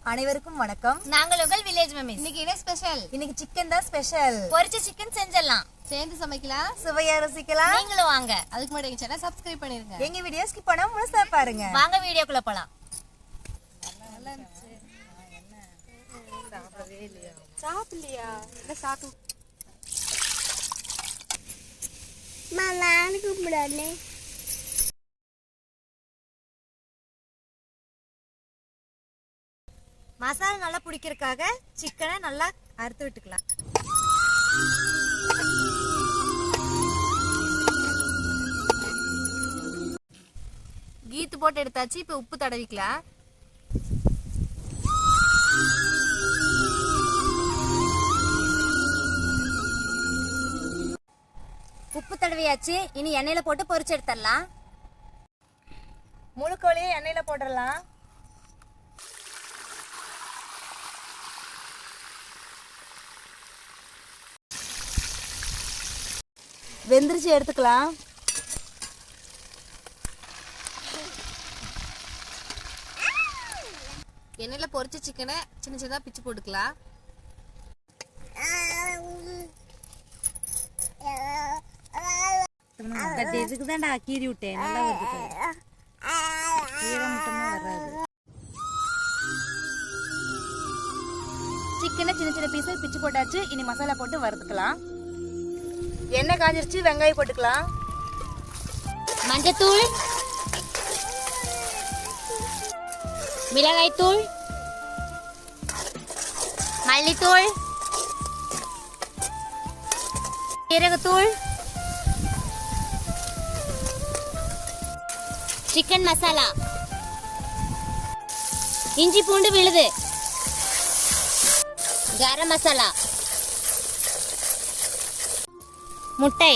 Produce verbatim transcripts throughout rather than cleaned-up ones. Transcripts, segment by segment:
அனைவருக்கும் வணக்கம். நாங்கள் உங்கள் வில்லேஜ் மம்மிஸ். இன்னைக்கு என்ன ஸ்பெஷல்? இன்னைக்கு சிக்கன் தான் ஸ்பெஷல். பொரிச்ச சிக்கன் செஞ்சிடலாம், சேர்ந்து சமைக்கலாம், சுவையா ருசிக்கலாம். நீங்களும் வாங்க. அதுக்கு முன்னாடி எங்க சேனலை சப்ஸ்கிரைப் பண்ணிருங்க. எங்க வீடியோ ஸ்கிப் பண்ணாம முழுசா பாருங்க. வாங்க வீடியோக்குள்ள போலாம். சாப்பிடவே இல்லையா? சாப்பிடலையா? இல்ல சாப்பிடு. நான் கூப்பிடலே. மசாலா நல்லா பிடிக்கிறதுக்காக சிக்கனை நல்லா அறுத்து விட்டுக்கலாம். கீத்து போட்டு எடுத்தாச்சு. இப்ப உப்பு தடவிக்கலாம். உப்பு தடவியாச்சு. இனி எண்ணெயில போட்டு பொரிச்சு எடுத்துடலாம். முழு கோழியை எண்ணெயில போட்டுடலாம். வெந்திரிச்சு எடுத்துக்கலாம். எண்ணெயில பொரிச்ச சிக்கனை சின்ன சின்னதா பிச்சு போட்டுக்கலாம். இதுக்குதான்டா கீறி விட்டேன். நல்லா வருது. ஈரம் மட்டுமே வராது. சிக்கனை சின்ன சின்ன பீஸா பிச்சு போட்டாச்சு. இனி மசாலா போட்டு வறுத்துக்கலாம். எண்ணெய் காஞ்சிருச்சு. வெங்காயம் போட்டுக்கலாம். மஞ்சத்தூள், மிளகாய் தூள், மல்லித்தூள், சீரகத்தூள், சிக்கன் மசாலா, இஞ்சி பூண்டு விழுது, கரம் மசாலா, முட்டை,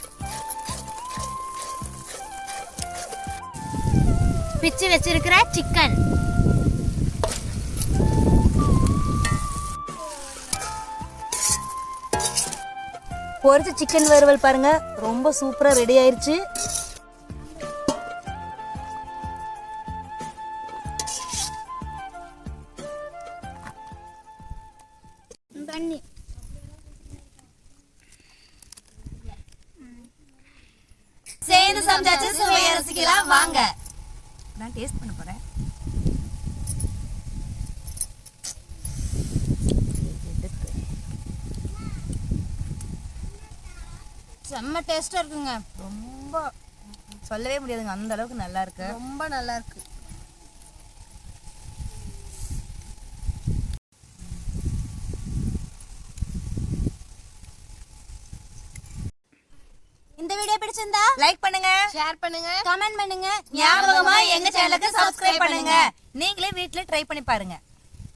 பிச்சு வச்சிருக்கிற சிக்கன், பொரிச்ச சிக்கன் வறுவல் பாருங்க, ரொம்ப சூப்பரா ரெடி ஆயிருச்சு. பண்ணி சேர்ந்து சமைச்சாச்சு. சுவையா ரசிக்கலாம் வாங்க. நான் டேஸ்ட் பண்ண போறேன். செம்ம டேஸ்டா இருக்குங்க. ரொம்ப சொல்லவே முடியாதுங்க, அந்த அளவுக்கு நல்லா இருக்கு. ரொம்ப நல்லா இருக்கு. இந்த வீடியோ பிடிச்சிருந்தா லைக் பண்ணுங்க, ஷேர் பண்ணுங்க, கமெண்ட் பண்ணுங்க. ஞாபகமா எங்க சேனலுக்கு சப்ஸ்கிரைப் பண்ணுங்க. நீங்களே வீட்ல ட்ரை பண்ணி பாருங்க.